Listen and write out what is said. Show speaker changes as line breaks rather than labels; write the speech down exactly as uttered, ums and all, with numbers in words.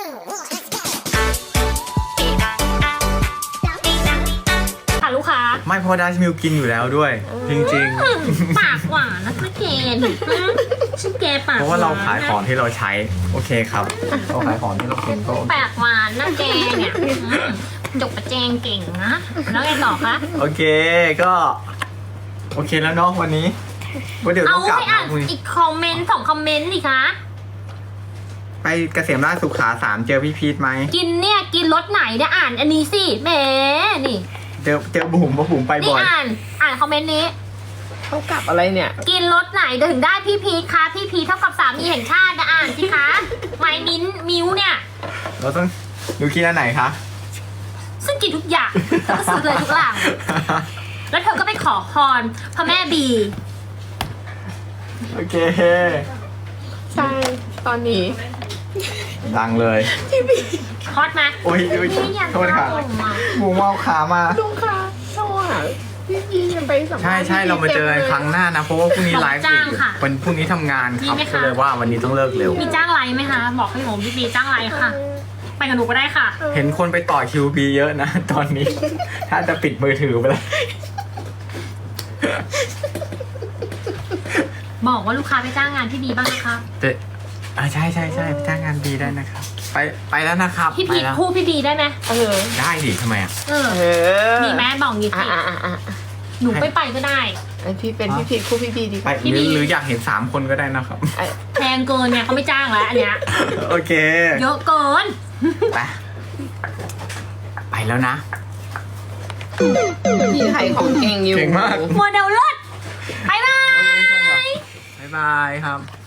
ค่ะลูกค้า
ไม่เพราะดัชมิลกินอยู่แล้วด้วย จริง
ปากหวานนะแกดิชื่อแกปาก
ๆ เพราะว่าเราขายของที่เราใช้โอเคครับเราขายของที่เรากินก็โอเค
ปากหวานนะแกเนี่ยจกประแจงเก่งนะแล้วไงต่อคะ
โอเคก็โอเคแล้วเนาะวันนี้ว่าเดี๋ยว
เอา
ต้องกลับ
ไปอ่าน
นะพรุ่งนี้
อีกคอมเมนต์สองคอมเมนต์ดิคะ
ไปเกษมราชสุขาสามเจอพี่พีทไหม
กินเนี่ยกินรสไหนเนี่ยอ่านอันนี้สิแหมนี่
เจอเจอบุ๋มเพราะบุ๋มไป
นี่
บ่อย
อ่านอ่านคอมเมนต์นี้
เขากลับอะไรเนี่ย
กินรสไหนถึงได้พี่พีทคะพี่พีทเท่ากับสามีแห่งชาตินะอ่านสิคะไมมิ้นมิวเนี่ย
เราต้องดูกินอันไหนคะ
ซึ่งกินทุกอย่างเธอก็ซื้อเลยทุกอย่างแล้วเธอก็ไปขอพรพระแม่บี
โอเค
ใช่ตอนนี้
ดังเลย
ฮอตไหม
โอ้ยโอ้ย
นี่ยัง
โทษค่ะ
เข้ามา
บุ๋มเอาขามา
ลุงคะโซ่อะพี่พียังไปสัมภาษณ์
ใช่ใช่เรามาเจอกันครั้งหน้านะ เพราะว่าพรุ่งนี้ไลฟ์อีกวันพรุ่งนี้ทำงานครับก็เลยว่าวันนี้ต้องเลิกเร็ว
มีจ้างไลฟ์ไหมคะ บอกให้ผมพี่บีจ้างไลฟ์ค่ะ ไปกับหนูก็ได้ค่ะ
เห็นคนไปต่อคิวบีเยอะนะ ตอนนี้ ถ้าจะปิดมือถือไปแล้ว
บอกว่าลูกค้าไปจ้างงานพี่บีบ้างนะคะ
เจ๊อ่าใช่ใช่ใช่ไปจ้างงานบีได้นะครับ ไปไปแล้วนะครับ
พี่
ไป
พี
แล้ว
คู่พี่บีได้ไหม
เออ
ได้ดิทำไมอ่ะ
เออ
เออ
มีแม่บอกงี้
อ่ะ
สิ
อ่ะอ่ะอ่ะ
หนูไปไปก็ได้
ไอพี่เป็นพี่พีคู่พี่พีดีก
ไป
ว่า
พี่
ห
บี
รือหรืออยากเห็นสามคนก็ได้นะครับ
ไอ้
แพงเกินเนี่ยเขาไม่จ้างแล้วอันเนี้ย
โอเค
เยอะเกิน
ไปไปแล้วนะ
พี่ขายของเก่งอยู่
เก่งมาก
โมเดลเลิศบายบาย
บ๊ายบายครับ